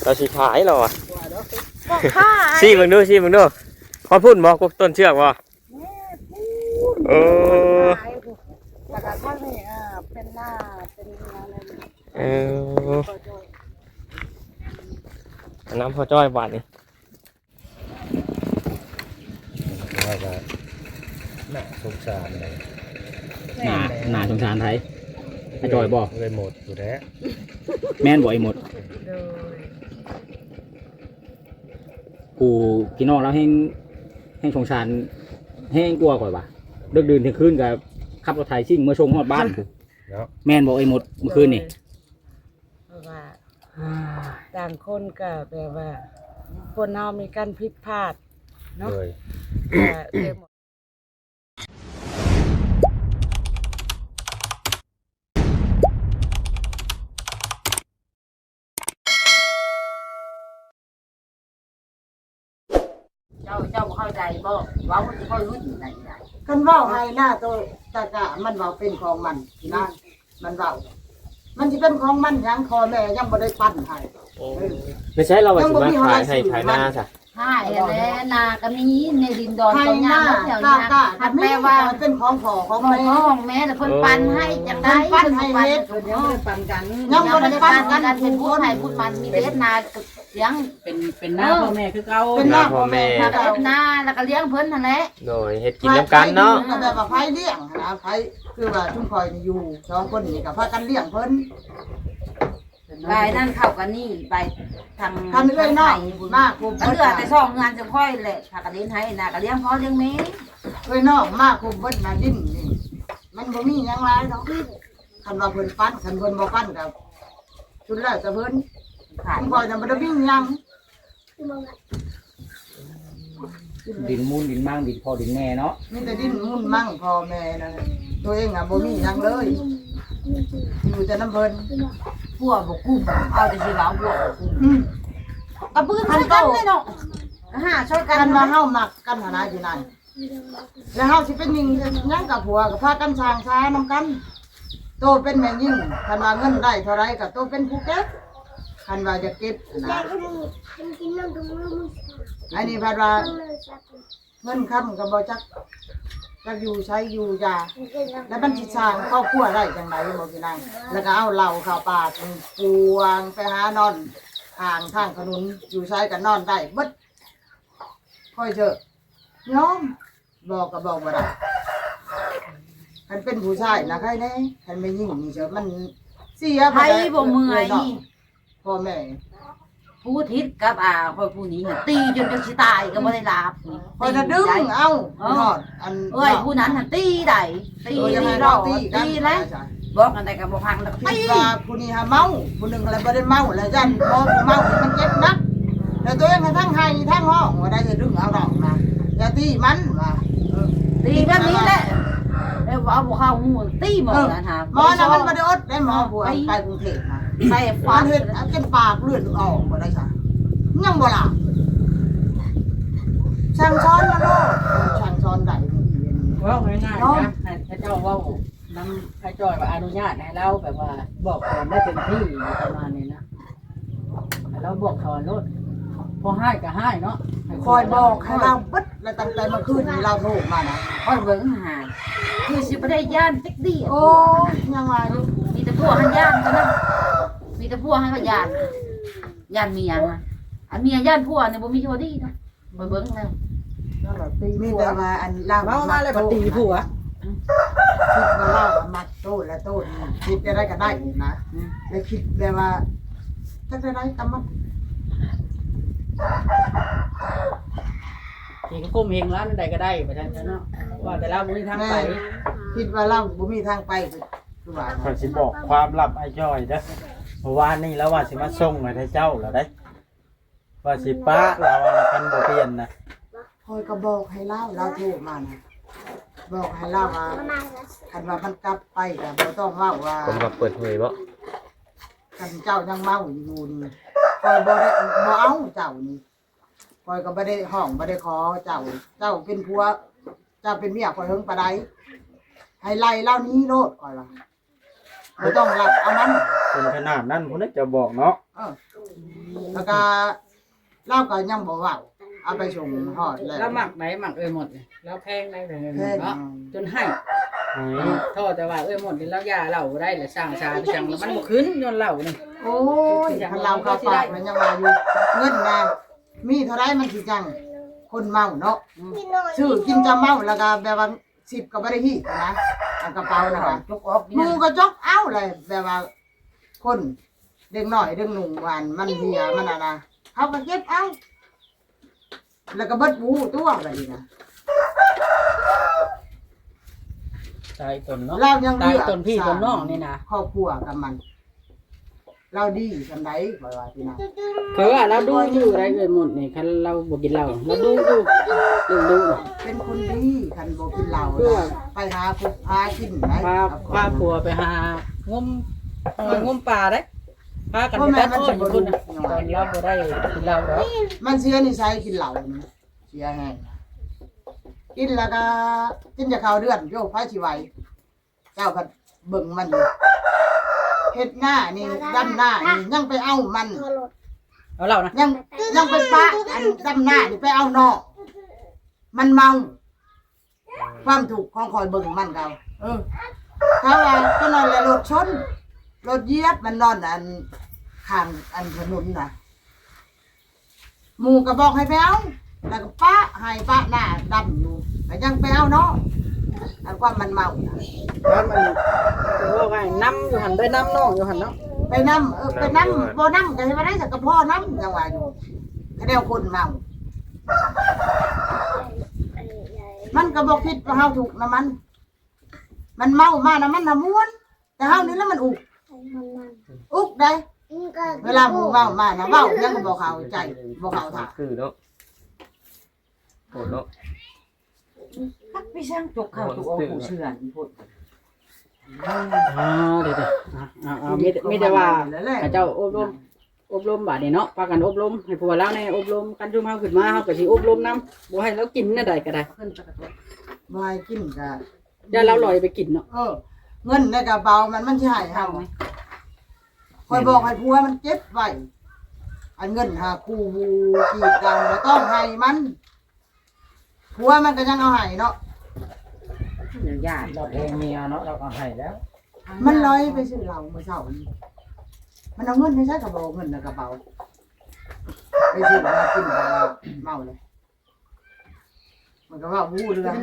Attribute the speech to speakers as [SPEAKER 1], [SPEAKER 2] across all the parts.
[SPEAKER 1] เราสิขายเราอ่ะ
[SPEAKER 2] บอกค่า
[SPEAKER 1] ชี้มึงดูพอพูดบอกกูต้นเชือกบ่เออ
[SPEAKER 2] แล้วก็ข้างนี้เป็นหน้าเป็นอะไร
[SPEAKER 1] เออน้ำพอจ้อยบาทนี่
[SPEAKER 3] ว่าจะน่าสงสารเลย
[SPEAKER 4] หนาสงสารไทยไอ้จอยบอก
[SPEAKER 3] เลยหมดอยู่แล้ว
[SPEAKER 4] แม่นบอกไอ้หมด
[SPEAKER 2] โดย
[SPEAKER 4] กูพี่น้องแล้วให้สงสารให้กลัวก่อนว่ะเลิกดื่นถึงคืนกับขับรถไถซิ่งเมื่อชงฮอดบ้านกู
[SPEAKER 3] เนาะ
[SPEAKER 4] แม่นบอกไอ้หมดเมื่อคืนนี่
[SPEAKER 2] เพราะว่าต่างคนก็แบบว่าคนเรามีการผิดพลาดเนาะ
[SPEAKER 3] เลย
[SPEAKER 2] ก็เลยหมด
[SPEAKER 5] เจ้าบ่เข้าใจบ่ว่ามันสิค่อยรู้จังได๋
[SPEAKER 6] กันเว้าให้หน้าตัวตะกะมันเว้าเป็นของมันนะมันเว้ามันสิเป็นของมันยังคอแม่ยังบ่ได้ปั้นให้
[SPEAKER 1] ไม่ใช่เราว่าสิมาขายให้ขายหน้าซะ
[SPEAKER 5] ใช่แล้วนาก็มีในดินดอน
[SPEAKER 6] ให้
[SPEAKER 5] ตรง
[SPEAKER 6] ห
[SPEAKER 5] นั้
[SPEAKER 6] น้าน
[SPEAKER 5] แถว
[SPEAKER 6] กะ
[SPEAKER 5] นี้
[SPEAKER 6] กะ
[SPEAKER 5] หัด
[SPEAKER 6] แม่
[SPEAKER 5] แม่
[SPEAKER 6] ว่า
[SPEAKER 5] ว่า
[SPEAKER 6] เป็นของพ่อของ
[SPEAKER 5] ของ
[SPEAKER 6] แม่
[SPEAKER 5] พ่อของแม่แต่เพิ่นปันให้จังได๋
[SPEAKER 6] เพิ่นปันให้เฮ็ด
[SPEAKER 2] เดี๋ยวไม่ปันกัน
[SPEAKER 6] ยังบ่ได้ปั้นกัน
[SPEAKER 5] เป็นผู้ให้ผู้มันมีเด็ดนาเลี้ยง
[SPEAKER 2] เป็นหน้าพ่อแม่คือเก่า
[SPEAKER 6] เป็นหน้าพ่อแม่
[SPEAKER 5] นาก็เฮ็ดนาแล้วก็เลี้ยงเพิ่นนั่นแหละ
[SPEAKER 1] โดยเฮ็ดกินน้ำกันเนาะ
[SPEAKER 6] ก็แบบว่าไผเลี้ยงนะไผคือว่าชุมพลอยนี่อยู่สองคนนี่ก็พากันเลี้ยงเพิ่น
[SPEAKER 5] ไปนั่นเข้ากันนี่ไปทาง
[SPEAKER 6] กันเอ้ยน้องมากคุม
[SPEAKER 5] ก็เหลือแต่ซ่องงานจะค่อยแหละถ้าก็เลี้ยงให้นาก็เลี้ยงพ่อเลี้ยงแม่
[SPEAKER 6] เอ้ยน้องมากคุมเพิ่นน่ะดิ้นนี่มันบ่มีหยังหลายดอกคันว่าเพิ่นปั้นคันเพิ่นบ่ปั้นก็ชุดแรกจะเพิ่น
[SPEAKER 5] ขาย
[SPEAKER 6] ชุมพลอยน่ะบ่ได้มีหยัง
[SPEAKER 4] ดินมูลดินมั่งดินพอดินแน่เนาะ
[SPEAKER 6] มีแต่ดิ้นมุ่นมั่งพ่อแม่นั่นน่ะตัวเองอ่ะบ่มีหยังเลยอยู่แต่น้ำเพิ่น
[SPEAKER 5] พวกบ่กุ้มเอาแต่สิว่าพวกบ่กุ้ม
[SPEAKER 6] อืม
[SPEAKER 5] เอาปืนใส่กันเลยเนาะช่วยกั
[SPEAKER 6] กัน นว่าเฮามักกันหนนะอยู่นั่นแล้วเฮาสิเป็นหญิงหยังกับผัวก็พากันสร้างช้านำกัน โตเป็นแม่ยิ่งคันว่าเงินได้เท่าไรก็โตเป็นผู้เก็บคันว่าจะเก็บนะอันนี้พัดว่าเงินคำก็บ่จักอยู่ใช้อยู่ยาแล้วมันสิสร้างครอบครัวได้จังไดบ่พี่นางแล้วก็เอาเหล้าเข้าปากปวงไปหานอนทางถนนอยู่ใช้ก็นอนได้เบิดค่อยเถอะยอมบอกก็บอกบ่ได้คันเป็นผู้ชายนะใครแน่คันไม่ยิ่งนี่เฉยมันเสีย
[SPEAKER 5] ไผบ่เมื่อย
[SPEAKER 6] พ่อแม่
[SPEAKER 5] ผู้ทิศกับคอยผู้นี้น่ะตีจนสิตายก็บ่ได้ลาบ
[SPEAKER 6] คอยจะดึงเอาหอดอัน
[SPEAKER 5] เอ้ยผู้นั้นน่ะตีได้ตี
[SPEAKER 6] ยังไง
[SPEAKER 5] เรา
[SPEAKER 6] เราตีกัน
[SPEAKER 5] ตีแล้วบอกกันได้ก็บ่พังแล้ว
[SPEAKER 6] คิ
[SPEAKER 5] ตี
[SPEAKER 6] ดว่าผู้นี้หาเมาผู้หนึ่งอะไรบ่ได้เมาแล้วยันพอผู้เมามันเจ็บนักแต่ตัวเองทั้งไห้ทั้งห้องว่าได้จะดึงเอาดอกนะอย่าตีมันว่า
[SPEAKER 5] ตีแบบนี้แหละเอ้ยเอาบ่เข้าหูตีหมดนะฮะ
[SPEAKER 6] หมอนะมันบ่ได้อดได้หมอผู้ไปกรุงเทพนะ
[SPEAKER 5] ใส่
[SPEAKER 6] ฟา
[SPEAKER 5] ฟ้า
[SPEAKER 6] เฮ็ดจนปากเลือดออกบ่ได้จ้ะยังบ่ล่ะช่างช้อนมาโลดช่างช้อนได้
[SPEAKER 2] ว่าง่ายๆนะให้เจ้าว่าน้ำให้จอยว่าอนุญาตให้เราแบบว่าบอกสอนได้เต็มที่ประมาณนี้นะให้เราบอกสอนรถพอให้ก็ให้เนาะ
[SPEAKER 6] คอยบอกให้เราเบิดแล้วตั้งแต่เมื่อคืนนี้เราโทรมานะ
[SPEAKER 5] ค่อยเบิ่งหาคือสิบ่ได้ย่านจักดี
[SPEAKER 6] โอ้ยังไง
[SPEAKER 5] มีแต่พวกหันย่านเท่านั้นมีแต่พวกให้ก็ย่านย่านเมียฮะอันเมียย่านพวกนี่บ่มีโชดีนะไปเบิ่งแล้ว
[SPEAKER 6] มีแต่ว่าอันเรา
[SPEAKER 2] เมามาเลยปฏิผัว
[SPEAKER 6] คิดว่าเรามัดโต้และโต้คิดได้ก็ได้นะแล้วคิดแบบว่าจะได้ตำมัน
[SPEAKER 2] ขี่ก็ก้มเองร้านใดก็ได้ไปทางนั้นเนาะว่าแต่เราไม่มีทางไป
[SPEAKER 6] คิดว่าเราบ่มีทางไปคือว่า
[SPEAKER 3] ขอยสิบอกความลับไอ้จ้อยเด้อเมื่อวานนี้แล้วว่าสิมาส่งให้เจ้าแล้วได้ว่าสิป้าเราคันบ่เปลี่ยนนะ
[SPEAKER 6] คอยก็บอกให้เราโทรมานะบอกให้เราว่าคันว่ามันกลับไปก็บ่ต้องเว้าว่า
[SPEAKER 1] ผมก็เปิดเผยบ่
[SPEAKER 6] คันเจ้ายังเมาอยู่นี่คอยบ่ได้บ่เอาเจ้านี่คอยก็บ่ได้ห้องบ่ได้ขอเจ้าเป็นผัวเจ้าเป็นเมียคอยเฮิงปานใดให้ไล่เล่านี้โลดคอยว่าบ่ต้องรับเอามัน
[SPEAKER 3] เป็นขนาดนั้นพุ่นน่ะจะบอกเนาะ
[SPEAKER 6] เออแล้วก็เล่าก็ยังบ่เว้าเอาไปส่งฮอดแล้ว
[SPEAKER 2] แล้วหมักไหนหมักหมดนี่แล้วแพงได้เลยเนาะจนให้โทษแต่ว่าหมดนี่แล้วยาเหล้าได้แหละสร้างชาไปจังแล้วมันบ่ขึ้นย้อนเหล้านี่
[SPEAKER 6] โอ้ยคันเราเข้าปากมันยังว่าอยู่เงินนะมีเท่าไรมันสิจังคนเมาเนาะซื้อกินจะเมาแล้วก็แบบว่า10ก็บ่ได้ฮีดนะอันกระเป๋านะคะ
[SPEAKER 5] จกออก
[SPEAKER 6] หมูก็จกเอาเลยแบบว่าคนเด็กน้อยเด็กหนุ่มหวานมันเหียมันนะเขาก็เก็บเอาแล้วก็เบิดบูตัวแบบนี้นะ
[SPEAKER 2] ตายตนเนาะ
[SPEAKER 6] เรายัง
[SPEAKER 2] ตายตนพี่ตนน้องนี่นะ
[SPEAKER 6] ครอบครัวกับมัน เราดีสำไรบ่ว่าพี่นะ
[SPEAKER 2] คือว่าเราดูอยู่ไรหมดนี่คันเราบ่กินเหล้าเราดูดู
[SPEAKER 6] เป็นคนดีคันบ่กินเหล้าไปหาคุกหากินไหน
[SPEAKER 2] พาผัวไปหางมปลาได้พากันไปตัดอ้อยอยู่พุ่นน่ะตอนเราบ่ได้กินเหล้าหรอก
[SPEAKER 6] มันเสียนิสัยกินเหล้านี่เสียแห้งกินแล้วก็กินจะเข้าเดือนโยกไผสิไหวเจ้าก็เบิ่งมันอยู่เฮ็ดหน้านี่ดำหน้านี่ยังไปเอามัน
[SPEAKER 2] เอาเหล้านะ
[SPEAKER 6] ยังไปปะอันดำหน้านี่ไปเอานอกมันเมา ความถูกข์ของคอยเบิ่งมันเขาเขาว่าก็นอนแล้วรถชนรถเหยียบมันนอนอันข้างอันถนนน่ะหมู่ก็บอกให้ไปเอาแล้วก็ปะให้ปะหน้าดำอยู่แต่ยังไปเอาเนาะอันความมันเมาน่ะ
[SPEAKER 2] แล้วมันว่าไงน้ำอยู่หันได้น้ำน้องอยู่หันเนาะ
[SPEAKER 6] ไปนำไปนำบ่นำก็ให้มาได้สักกระเพาะนำยังว่าอยู่คะแนนคนเมามันก็บอกคิดว่าเฮาถูกนะมันเมามานะมันน่ะม่วนแต่เฮานี่แล้วมันอุกได้เวลาหมู่เมามานะเว้ายังก็บ่เข้าใจบ่เข้าท่า
[SPEAKER 1] คือเนาะโหดเนาะ
[SPEAKER 5] คักไปช่างจกข้าวจกออกผู้เชื่อนพุ่น
[SPEAKER 2] เดี๋ยวไม่ได้ว่าเจ้าอบรมบาดนี่เนาะพากันอบรมให้ผัวแล้วในอบรมกันจุ่มเฮาขึ้นมาเฮาก็สิอบรมนำบ่ให้เรากินน่ะได้ก็ได้
[SPEAKER 5] ขึ้นจักรตัว
[SPEAKER 6] บ่ให้กินก็
[SPEAKER 2] อย่าเราลอยไปกินเนาะ
[SPEAKER 6] เงินในกระเป๋ามันสิให้เฮาคอยบอกให้ผัวมันเก็บไว้อันเงินหาคู่กีดกันบ่ต้องให้มันผัวมันก็ยังเอาให้เนาะ
[SPEAKER 5] เดี๋ยวญาติ
[SPEAKER 3] เราเพลงเมียเนาะเราก็ให้แล้ว
[SPEAKER 6] มันลอยไปซื้อเหล้าเมื่อเช้านี้มันเอาเงินไปใช้กระเป๋าเงินในกระเป๋าไปซื้อมากินก็เมาเลยมันก็ว่าวู้เรื่อง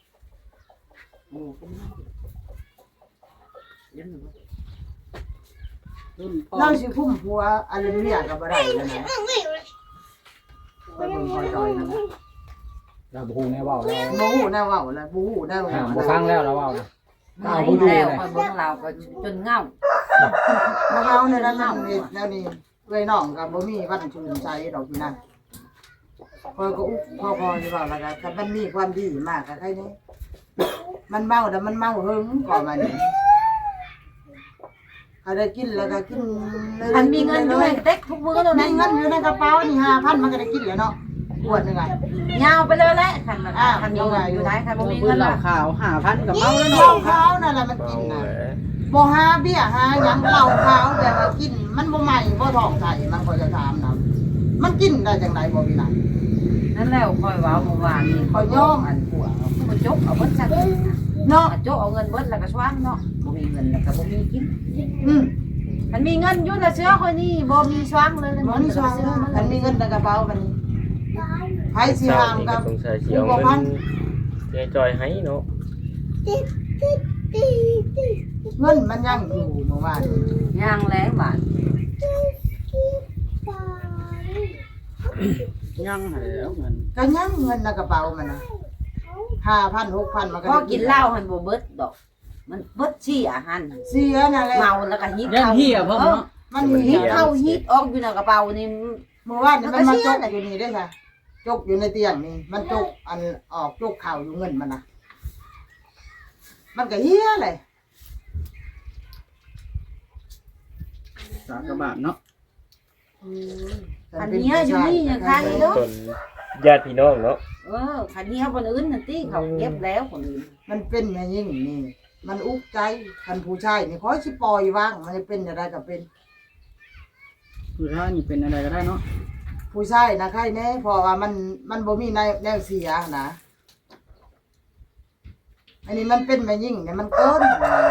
[SPEAKER 2] รุ่นพ่อ
[SPEAKER 6] เราสิคุ้มผัวอะไรเมียก็บ่ได้แล้วนะไปเบิ่งคอยจอยนะ
[SPEAKER 4] เราบ่ฮู้แน่เว้าแล้ว
[SPEAKER 6] บ่ฮู้แน่เว้าแล้วบ่ฮู้แน่ว่า
[SPEAKER 4] บ่ฟังแล้วเราเว้านะ
[SPEAKER 5] เอาแล้วคอยเบิ่งเราก็จนเงา
[SPEAKER 6] บ่เฮาในนั้นนั่นนี่แล้วนี่เอ้ยน้องก็บ่มีวันชื่นใจดอกพี่นั่นพอยก็อุกพอสิเว้าแล้วก็ถ้ามันมีความดีมากก็ใครนี่มันเมาแต่มันเมาหึงก่อนมานี่ถ้าได้กินแล้วก็กิน
[SPEAKER 5] คันมีเงินด้วยเต็กทุกมื้อแล้ว
[SPEAKER 6] มี
[SPEAKER 5] นะ
[SPEAKER 6] เงินอยู่ในกระเป๋านี่ 5,000 มันก็ได้กินแล้วเนาะขวดนึงอ่ะ
[SPEAKER 5] ยาวไปเลยแหละคันมันคันมีเงินอยู่ไหนคันบ่มี
[SPEAKER 2] ปื
[SPEAKER 5] เงิ
[SPEAKER 2] น
[SPEAKER 5] น
[SPEAKER 2] เหล้า
[SPEAKER 5] ล่ะ
[SPEAKER 2] ขาว5,000กับเมาแล้ว
[SPEAKER 6] เหล้า
[SPEAKER 2] เนาะ
[SPEAKER 6] ขาวนั่นแหละมันกิน
[SPEAKER 1] เอา
[SPEAKER 6] น่ะ
[SPEAKER 1] แหละ
[SPEAKER 6] บ่หาเบี้ยหาหยังเหล้าขาวแต่ว่ากินมันบ่ใหม่บ่ท้องใส่มันก็จะถามนํมันกินได้จังไดบ่พี่น่ะ
[SPEAKER 5] นั่นแล้วคอยว้าเมื่อวานนี่คอยย่อมอันผัวมันจกเอาเบิดจัก
[SPEAKER 6] เนาะ
[SPEAKER 5] จกเอาเงินเบิดแล้วก็ช้างเนาะบ่มีเงินแล้วก็บ่มีกิน
[SPEAKER 6] อืม
[SPEAKER 5] มันมีเงินอยู่แต่เชื้อคนนี้บ่มีช้างเลย
[SPEAKER 6] บ่มีซองมันมีเงินในกระเป๋าบัดนี้ไผสิหาม
[SPEAKER 1] นี่
[SPEAKER 6] กั
[SPEAKER 1] ก็
[SPEAKER 6] บ
[SPEAKER 1] สงสัยสิเอาเงินเจ๊จอยให้เนาะ
[SPEAKER 6] เงินมันยังอยู่เมื่อวาน
[SPEAKER 5] ย่างแล้วบาท
[SPEAKER 2] ยังแล้วเงิน
[SPEAKER 6] ก็ยังเงินในกระเป๋ามันน่ะ 5,000 6,000มันก็
[SPEAKER 5] พอ
[SPEAKER 6] ได้
[SPEAKER 5] กินเหล้าหันบ่เบิดดอก มันเบิดชี้อาหาร
[SPEAKER 6] เสียนั่นแหละ
[SPEAKER 5] เมาแล้วก็ฮิต
[SPEAKER 2] ยัง
[SPEAKER 5] เข้า
[SPEAKER 2] เหี้ยพ่อเนาะ
[SPEAKER 6] มัน
[SPEAKER 5] ฮิ
[SPEAKER 6] มี
[SPEAKER 5] ตเข้าฮิตออกอยู่ในกระเป๋านี่
[SPEAKER 6] เมื่อวานนี่มันมาจกอยู่นี่ได้ค่ะจกอยู่ในเตียงนี่มันจกอันออกจกเข่าอยู่เงินมันน่ะมันก็เฮียเลย
[SPEAKER 2] สากบาทเนาะ
[SPEAKER 5] อันเนี้ยอยู่นี่ยังคันเนาะ
[SPEAKER 1] จนญาติพี่น้องเนาะ
[SPEAKER 5] คันเนี้ยคนอื่นนั่นติเขาเก็บแล้วคนอื่น
[SPEAKER 6] มันเป็นอย่างนี้นี่มันอุกใจคันผู้ชายนี่ขอสิปล่อยวางมันจะเป็นอะไรก็เป็น
[SPEAKER 2] ผู้ชายนี่เป็นอะไรก็ได้เนาะ
[SPEAKER 6] ผู้ชายนะใครแน่เพราะว่ามันบ่มีแนวเสียนะอันนี้มันเป็นแม่ยิ่งเนี่ยมันเกิน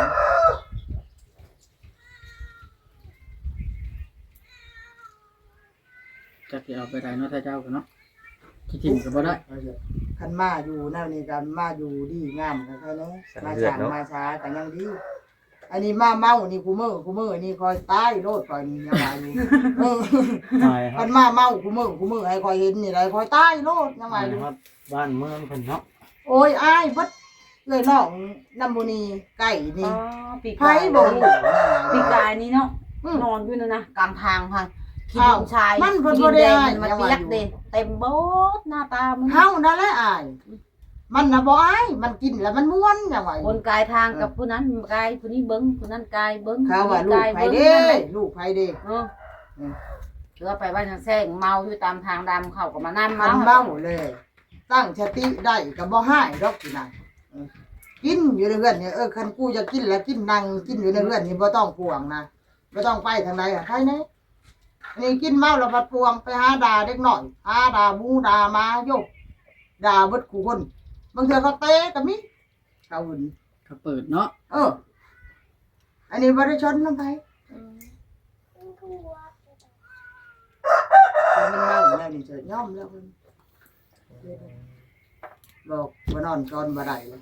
[SPEAKER 2] จักสิเอาไปได้เนาะถ้าเจ้าก็เนาะคิดถิ่นก็บ่ได้
[SPEAKER 6] คันมาอยู่แนวนี้กันมาอยู่ดีงามกันใครแน่มาสางมาช้ากันยังดีอันนี้มาเมานี่กูมือนี่คอยตายโลดคอยนี่ยังว่าอยู่
[SPEAKER 3] ตายครั
[SPEAKER 6] มั
[SPEAKER 3] บ
[SPEAKER 6] นมาเมากูมือให้คอยเห็นนี่ไรคอยตายโลดยังไง
[SPEAKER 3] ตาย
[SPEAKER 6] อยู่
[SPEAKER 3] ครับบ้านเมืองเพิ่นเนาะ
[SPEAKER 6] โอ้ยอ้ายบัดเลยน้องน้ำบุนีไก่นี่
[SPEAKER 5] ปี
[SPEAKER 6] ไผ
[SPEAKER 5] กาย
[SPEAKER 6] บ่
[SPEAKER 5] ปีกายนี่เนาะ
[SPEAKER 6] อืม
[SPEAKER 5] นอนอยู่นั่นนะกลางทางพังขี้
[SPEAKER 6] อ้าว
[SPEAKER 5] ดินชาย
[SPEAKER 6] มันเพิ่น
[SPEAKER 5] ขี้
[SPEAKER 6] บ่
[SPEAKER 5] ดิน
[SPEAKER 6] ได้
[SPEAKER 5] แดง
[SPEAKER 6] อ้าย
[SPEAKER 5] มัน
[SPEAKER 6] ยัง
[SPEAKER 5] เปี
[SPEAKER 6] ว่าย
[SPEAKER 5] ก
[SPEAKER 6] อยู่
[SPEAKER 5] เด้เต็มโบดหน้าตามัน
[SPEAKER 6] เฮานั่นแหละอ้ายมันน่ะบ่อ้ายมันกินแล้วมันม่วนยังว่าอยู่
[SPEAKER 5] คนกายทางกับผู้นั้นกายผู้นี้เบิ้งผู้นั้นกายเบิ้ง
[SPEAKER 6] เขาว่าลูกไผเด้
[SPEAKER 5] นั่นแหละ
[SPEAKER 6] ลูกไผเด้
[SPEAKER 5] เออหรือว่าไปบ้านทางแซงเมาอยู่ตามทางดำเขาก็มานั่ง
[SPEAKER 6] มันเมาเลย ตั้งสติได้ก็บ่หายดอกพี่นายกินอยู่ในเรือนเนี่ยคันกูจะกินแล้วกินนั่งกินอยู่ในเรือนนี่บ่ต้องห่วงนะบ่ต้องไปทางใดอ่ะใครแน่อันนี้กินเมาแล้วพัดพวงไปหาด่าเด็กน้อยหาด่าบูด่ามาโยกด่าเบิดคู่คนบางเทื่อเขาเตะก็มีเขาหุ่น
[SPEAKER 2] เขาเปิดเนาะ
[SPEAKER 6] อันนี้บ่ได้ชนนำไผมันเมาแล้วนี่จะย่อมแล้วเพิ่นบอกบ่นอนก่อนบ่ได้เลย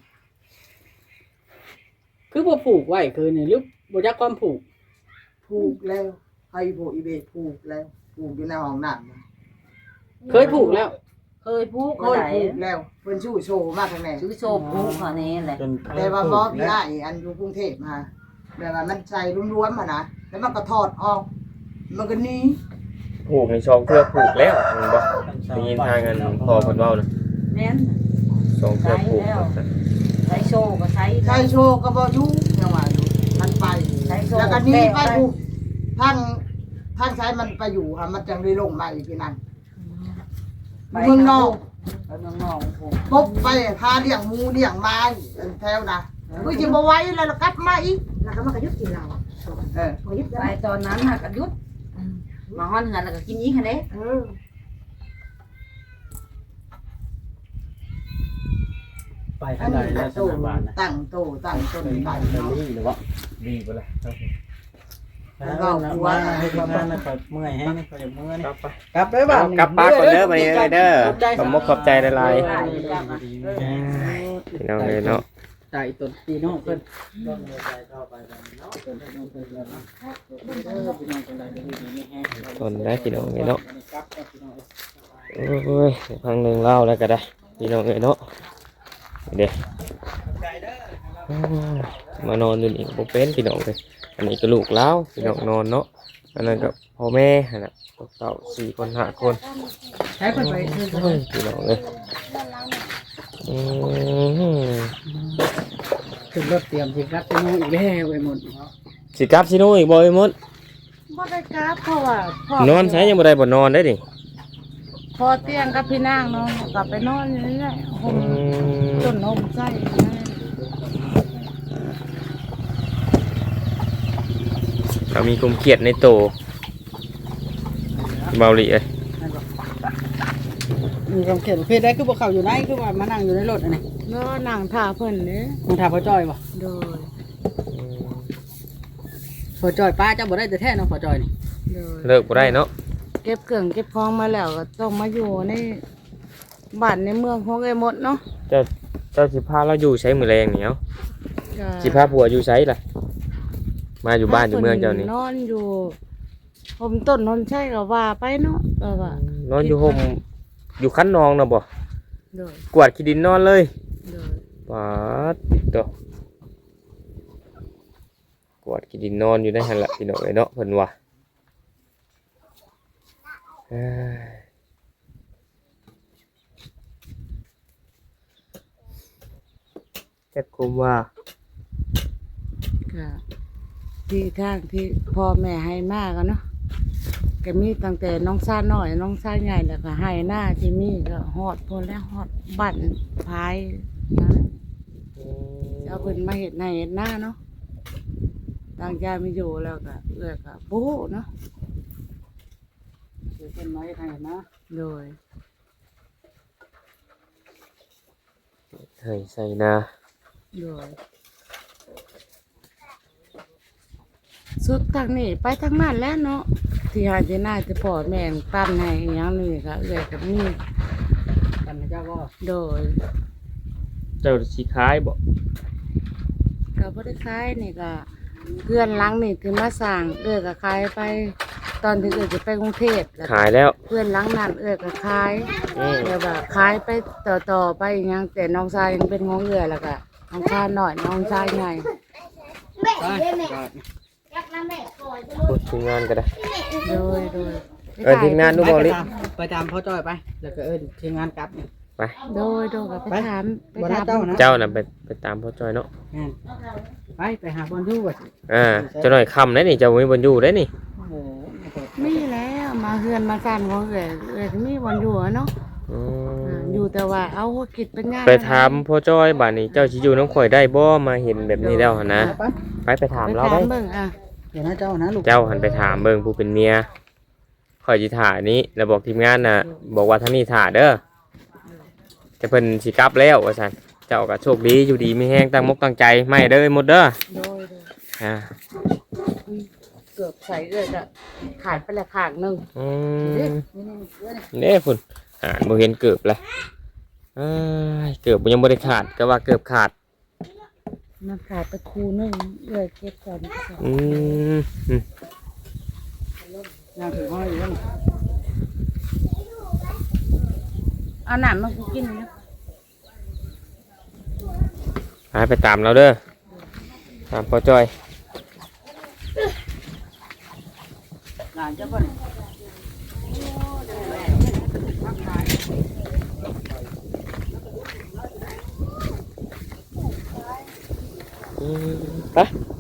[SPEAKER 2] คือบ่ผูกไว้คือนี่หรือบ่จักความผูก
[SPEAKER 6] ผูกแล้วให้โบอีเบผูกแล้วผูกอยู่ในห้องน้ำนะ
[SPEAKER 2] เคยผูกแล้ว
[SPEAKER 5] เคยพูด
[SPEAKER 6] เค
[SPEAKER 5] ก็
[SPEAKER 6] ย
[SPEAKER 5] ได้
[SPEAKER 6] ผูกแล้วเพิ่นชู้โชว์มากข้างใน
[SPEAKER 5] ซื้อโซพูดเขานี่แหละ
[SPEAKER 3] จนเคย
[SPEAKER 6] แต่ว่า
[SPEAKER 3] พู
[SPEAKER 6] บ่
[SPEAKER 3] ด
[SPEAKER 6] พี่
[SPEAKER 3] แล้ว
[SPEAKER 6] อ้ายอันอยู่กรุงเทพมาแบบว่ามันใส่รวมๆมานะแล้วมันก็ถอดออก มันก็หนี
[SPEAKER 1] ผูกในช่องเทือกผูกแล้วเห็นบ่ได้ยินทางกันพอเพิ่นเว้านะ
[SPEAKER 5] แม่น
[SPEAKER 1] ช่องเทือกผูก
[SPEAKER 5] ใช้โชว์ก็ใช้
[SPEAKER 6] ใส่โชว์ก็บ่อยู่จังว่าอยู่มันไป
[SPEAKER 5] ใส่โชว์
[SPEAKER 6] แล้วก็หนีไป
[SPEAKER 5] แก้ไป
[SPEAKER 6] ผูกท่านใช้มันไปอยู่ค่ะมันจังได้ลงมาอีกทีนั้นเมืองนอก
[SPEAKER 5] ไปเมืองนอกผม
[SPEAKER 6] พบไปพาเลี้ยงหมูเลี้ยงไม้แถวนะกูจะบ่ไหว้แล้วกลับมาอีก
[SPEAKER 7] แล้วก็มากระยุดกินเรา
[SPEAKER 6] เออ
[SPEAKER 5] ไปตอนนั้นน่ะก็หยุดมาฮ้อนเหือนแล้วก็กินอีกหั่นเด้
[SPEAKER 3] ไปทางใดแล้วส
[SPEAKER 6] โต
[SPEAKER 3] นามบ้านนะ
[SPEAKER 6] ตั้งโตตั้งต้น
[SPEAKER 3] เป็น
[SPEAKER 6] ไป
[SPEAKER 3] บ้านเบล
[SPEAKER 6] เนาะ
[SPEAKER 3] ลี่หรือว่า
[SPEAKER 1] ดีบ่ล่ะครับ
[SPEAKER 3] แล้วก็ว่าให้ทำงานนะคอยเมื่อยให้นะคอยเมื่อย
[SPEAKER 1] ค
[SPEAKER 3] นี่
[SPEAKER 1] รับไป
[SPEAKER 2] กลับไปบ้าน
[SPEAKER 1] กลับปากก่อนเด้อบัดนี้เด้อขอบมกขอบใจหลาย
[SPEAKER 5] ได้จ้ะ
[SPEAKER 1] ๆพี่น้องเลยเนาะ
[SPEAKER 2] ใจต้นปีน้องเพิ่น
[SPEAKER 3] ต้องมีใจเข้าไปกันเนาะ
[SPEAKER 2] ต้นน้องเพิ่นแล้วเนาะพี่น้องจังได๋ก็ดีนี่แฮง
[SPEAKER 1] ทนได้พี่น้องเลยเนาะ
[SPEAKER 2] กลับพี่น้อง
[SPEAKER 1] โอ้ยพังหนึ่งเล่าแล้วก็ได้พี่น้องเลยเนาะเดี๋ยวมานอนอยู่นี่บ่เป็นพี่น้องเลยอันนี้ก็ลูกเล้าพี่น้องนอนเนาะอันนั้นก็พ่อแม่หั่นน่ะเต่า4 คน5 คน
[SPEAKER 2] ใช้เพิ่นไปซื้อ
[SPEAKER 1] โอ้ยพี่น้องเลยอืม
[SPEAKER 2] ขึ้นรถเตรียมสิกลับไปนู่นอีกแล้วไปหมด
[SPEAKER 1] สิกลับสิโน่อีกบ่ไอ้มด
[SPEAKER 7] บ่ได้กราบเพราะว่าพ่อน
[SPEAKER 1] อนใช้ยังบ่ได้บ่นอนได้ดิ
[SPEAKER 7] พอเตียงกับพี่นางเนาะกลับไปนอนนี่แหละห่มต้นห่มใส่
[SPEAKER 1] เรามีคุมเครียดในโตเบาหลีเอ้ย
[SPEAKER 2] มีความเขียนประเภทได้คือบ่เข้าอยู่ไหนคือว่ามานั่งอยู่ในรถอันนี้
[SPEAKER 7] เนาะนั่งท่าเพิ่นเด้
[SPEAKER 2] มึงถามพ่อจ้อยบ่
[SPEAKER 7] โดย
[SPEAKER 2] พ่อจ้อยป้าเจ้าบ่ได้แต่แท้เนาะพ่อจ้อยนี่
[SPEAKER 7] โดย
[SPEAKER 1] เลิกบ่ได้เนาะ
[SPEAKER 7] เก็บเครื่องเก็บของมาแล้วก็ต้องมาอยู่ในบ้านในเมืองของไอ้หมดเนาะ
[SPEAKER 1] เจ้าสิพาเราอยู่ใช้มือแรงนี่เนาะ
[SPEAKER 7] ก็
[SPEAKER 1] สิพาผัวอยู่ใช้ล่ะมาอยู่บ้านอยู่เมืองเจ้านี่
[SPEAKER 7] นอนอยู่ห่มต้นห่มใช่ก็ว่าไปเนาะก็ว่าน
[SPEAKER 1] อนอยู่ห่มอยู่คันนองนะบ่
[SPEAKER 7] โดย
[SPEAKER 1] กวาดขี้ดินนอนเลย
[SPEAKER 7] โดย
[SPEAKER 1] ปาดติดตัวกวาดขี้ดินนอนอยู่ในหั่นล่ะพี่น้องเอ้ยเนาะเพิ่นว่าเอ้ยจักคุมว่า
[SPEAKER 7] ก็ที่ทางที่พ่อแม่ให้มากเนาะก็มีตั้งแต่น้องซ่าน้อยน้องซ่าใหญ่แล้วก็ให้หน้าที่มีก็ฮอดพนแล้วฮอดบั่นพายนะจะเอาเพิ่นมาเฮ็ดให้เฮ็ดหน้าเนาะต่างใจไม่อยู่แล้วก็เอื้อก็โบ้เนาะ
[SPEAKER 2] เป็นไม้ไทยนะ
[SPEAKER 7] โดย
[SPEAKER 1] เฮ้ยใส่นา
[SPEAKER 7] โดยสุดทางนี้ไปทางนั้นแล้วเนาะที่หาที่หน้าที่พ่อแม่ปั้นให้อหย่างนี้ก็เอื้อยกับมี
[SPEAKER 2] กันเจ้าก็
[SPEAKER 7] โดย
[SPEAKER 1] เจ้าสิขายบ่
[SPEAKER 7] ก็บ่ได้ขายนี่ก็เพื่อนหลังนี่ที่มาสร้างเอื้อยก็ขายไป ตอนที่เอื้อยจะไปกรุงเทพแล้ว
[SPEAKER 1] ขายแล้ว
[SPEAKER 7] เพื่อนหลังนั้นเอื้อยก็ขาย
[SPEAKER 1] อืม
[SPEAKER 7] เดี๋ยวแบบขายไปต่อไปอหยังแต่น้องชายยังเป็นของเอื้อยแล้วก็น้องชายน้อยน้องชายใหญ่
[SPEAKER 2] ไป
[SPEAKER 1] พูดถึงงานก็ได้
[SPEAKER 7] โดย
[SPEAKER 1] ทีมงานดูบ่ลิ
[SPEAKER 2] ไปตามพ่อจ้อยไปแล้วก็ทีมงานกลับ
[SPEAKER 1] ไป
[SPEAKER 7] โดยก็ไปถาม
[SPEAKER 2] บ่ได้เจ้านะ
[SPEAKER 1] เจ้าน่ะไปตามพ่อจอยเนาะ
[SPEAKER 2] ไปหาบอลยู่ก่อน
[SPEAKER 1] เจ้าหน่อยค่ำได้นี่เจ้าบ่มีบนอยู่ได้นี่
[SPEAKER 2] โอ้โห
[SPEAKER 7] มีแล้วมาเฮือนมาสั่นของเอื้อยก็มีวันอยู่อะเนาะ
[SPEAKER 1] อืม
[SPEAKER 7] อยู่แต่ว่าเอาหัวกิจเป็นงาน
[SPEAKER 1] ไปถามพ่อจอยบัดนี้เจ้าสิอยู่น้ำข่อยได้บ่มาเห็นแบบนี้แล้วหั่นนะ ไปถาม
[SPEAKER 7] ไป
[SPEAKER 1] เรา
[SPEAKER 7] ถา
[SPEAKER 1] ได้
[SPEAKER 7] มเบิ่งอ่ะ
[SPEAKER 2] เดี๋ยวนะเจ้านะลูก
[SPEAKER 1] เจ้าหันไปถามเบิ่งผู้เป็นเมียข่อยสิถ่านี้แล้วบอกทีมงานน่ะ บอกว่าทางนี้ถ่าเด้อแต่เพิ่นสิกลับแล้วว่าซั่นเจ้าก็โชคดีอยู่ดีมีแฮงตั้งมกตั้งใจไม่เด้อหมดเด้อ
[SPEAKER 7] โดย
[SPEAKER 1] อ่า
[SPEAKER 7] เกือบใส่เอื้อยก็ขาดไปละข้างหนึง
[SPEAKER 1] อืมเด้พุ่นบ่เห็นเกือบเลยเกือบยังบ่ได้ขาดก็ว่าเกือบขาด
[SPEAKER 7] มันขาดไปคูหนึงเอื้อยเก็บก่อน
[SPEAKER 1] อืม
[SPEAKER 2] ยังถือว่าอยู่นั่น
[SPEAKER 7] เอาน้ำมากูกินนะ
[SPEAKER 1] ไปตามเราเด้อตามพ่อจอย
[SPEAKER 2] หลานเจ้าก่อน
[SPEAKER 1] ไป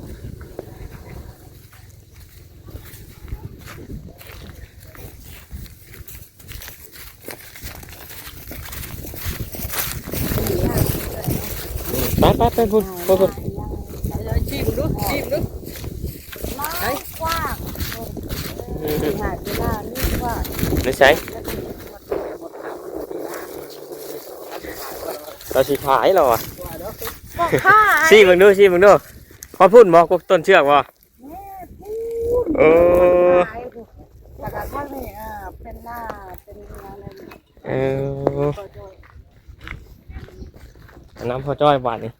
[SPEAKER 1] ไปพุ่นพุ่น
[SPEAKER 2] ชิมดูชิมดู
[SPEAKER 7] กว้างหาดเวลานี่กว้าง
[SPEAKER 1] ไม่ใช่เราสิขายเราอ่ะ
[SPEAKER 7] ก็ค่า
[SPEAKER 1] ชี้มึงดูพอพูดบอกต้นเชือกบ่เออ
[SPEAKER 7] แต่กระทั่งนี่เป็นหน้าเป็นอะไร
[SPEAKER 1] เออน้ำพอจ้อยบาทนี่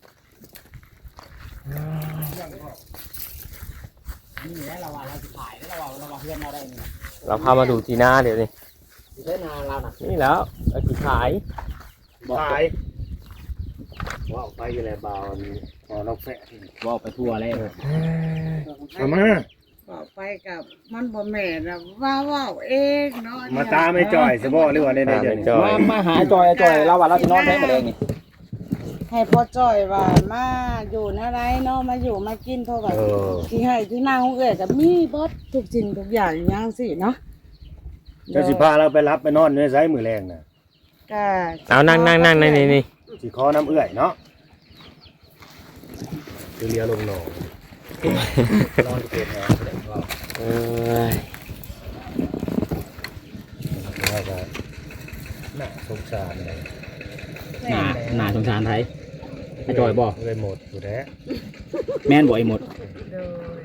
[SPEAKER 2] นี่แหละเราว่าเราจะขายแล้วเราว่าเพื่อนเราได้นี่
[SPEAKER 1] เราพามาดูทีหน้าเดี๋ยวนี้
[SPEAKER 2] เพื่อนเราน่ะ
[SPEAKER 1] นี่แล้วเราสิขาย
[SPEAKER 3] ขายว่าไปอยู่แล้วบ่าวพอนกแฟะ
[SPEAKER 4] ว่าไปทั่วแล้ว
[SPEAKER 3] เอามา
[SPEAKER 7] บอกไปกับมันบ่แม่นนะว่าเองเนาะ
[SPEAKER 3] มาตามไอ้จ่อยซะบ่หรือว่าได้
[SPEAKER 1] ตาม
[SPEAKER 3] เดี๋ยว
[SPEAKER 1] ไป
[SPEAKER 3] นี้
[SPEAKER 1] จ้อย
[SPEAKER 4] มาหาจอยเราว่าเราสินอนแท้มาเลยนี่
[SPEAKER 7] ให้พ่อจ้อยว่ามาอยู่นะไรเนาะมาอยู่มากินเพราะว่าที่ให้ที่นางของเอ้ยก็มีเบิดทุกสิ่งทุกอย่างอย่างสิเนาะ
[SPEAKER 3] เจ้าสิพาเราไปรับไปนอนในไสมื้อแรงน่ะ
[SPEAKER 7] ก็
[SPEAKER 1] เอานั่งนี่
[SPEAKER 3] สิขอน้ำเอื้อยเนาะคือเรือลงหนองนอนเก็บแหงว่า
[SPEAKER 1] เอ้ย
[SPEAKER 3] ว่าก็น่าสงสารเลย
[SPEAKER 4] หน้าสงสารไทยไอ้จอยบ่
[SPEAKER 3] เลยหมดอยู่แล้ว
[SPEAKER 4] แม่นบ่ไอ้หมด
[SPEAKER 7] โดย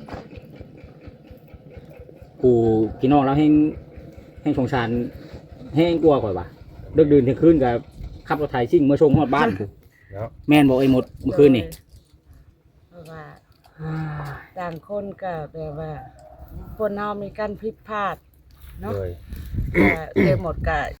[SPEAKER 4] กูพี่น้องเราให้สงสารให้กลัวก่อนว่ะเลิกดื่นเที่ยงคืนกับขับรถไถซิ่งเมื่อชงฮอดบ้านกู
[SPEAKER 3] เนาะ
[SPEAKER 4] แม่นบ่ไอ้หมดเมื่อคืนนี่
[SPEAKER 7] เพราะว่าต่างคนก็แบบว่าคนเฮามีการผิดพลาดเนาะ
[SPEAKER 3] เลย
[SPEAKER 7] ก็เลยหมดก็